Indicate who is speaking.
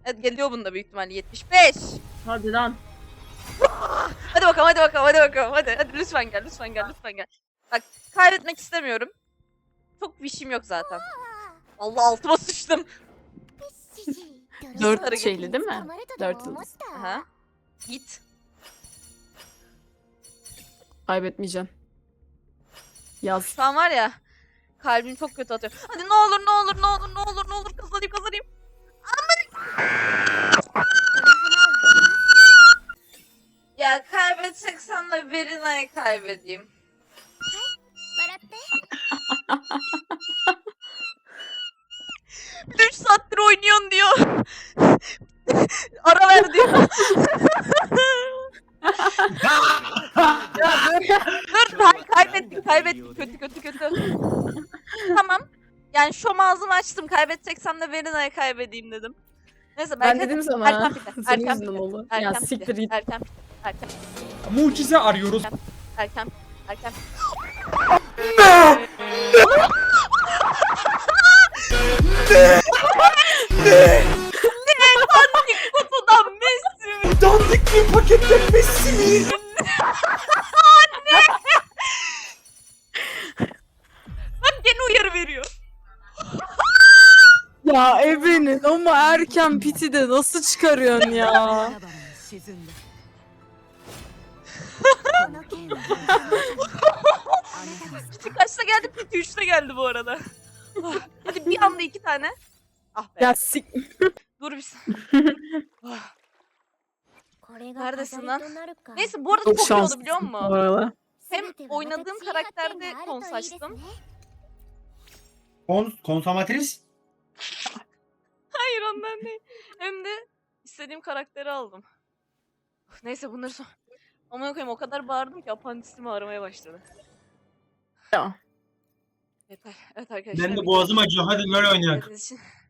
Speaker 1: Evet, geliyor bunda büyük ihtimalle 75.
Speaker 2: Hadi lan.
Speaker 1: Hadi bakalım, hadi bakalım, hadi bakalım. Hadi lütfen gel, lütfen gel, lütfen gel. Bak, kaybetmek istemiyorum. Çok bir işim yok zaten. Allah, altıma sıçtım.
Speaker 2: 4 şeyli değil mi? 4 yıldız.
Speaker 1: Aha. Git.
Speaker 2: Kaybetmeyeceğim. Yaz.
Speaker 1: Şu an var ya, kalbim çok kötü atıyor. Hadi ne olur, ne olur, ne olur, ne olur, ne olur, kazanayım. Ya kaybedeceksen de Verina'yı kaybedeyim. 3 saattir oynuyorsun diyor. Ara ver diyor. Dur, kaybettik. Kötü. Tamam. Yani şom ağzımı açtım. Kaybedeceksem de Verina'yı kaybedeyim dedim. Neyse,
Speaker 2: Ben dedim sana.
Speaker 1: Erken pite.
Speaker 2: Senin yüzünden oldu. Ya siktir git.
Speaker 1: Erken.
Speaker 3: Mucize arıyoruz.
Speaker 1: Erken. Dandik kutudan Messi mi?
Speaker 3: Dandik bir paketten Messi mi?
Speaker 1: Bak, gene uyarı veriyor.
Speaker 2: Ya Ebe'nin ama erken piti de nasıl çıkarıyorsun ya?
Speaker 1: Piti kaçta geldi? Piti 3'te geldi bu arada. Ah, hadi bir anda 2 tane. Ah be.
Speaker 2: Ya sik...
Speaker 1: Dur bir Ah.
Speaker 4: Neredesin lan?
Speaker 1: Neyse, bu arada
Speaker 2: Çok
Speaker 1: çok iyi oldu,
Speaker 2: şanslısın
Speaker 1: biliyor
Speaker 2: bu
Speaker 1: musun?
Speaker 2: arada.
Speaker 1: Hem oynadığım karakterde kons açtım.
Speaker 3: Konsomatris.
Speaker 1: Hayır, ondan değil. Hem de istediğim karakteri aldım. Uf, neyse, bunları son... Aman koyayım, o kadar bağırdım ki apandisimi ağrımaya başladı.
Speaker 2: Ya.
Speaker 1: Yeter. Evet arkadaşlar.
Speaker 3: Benim de boğazım acıyor. Hadi LoL oynayalım.
Speaker 1: izlediğiniz için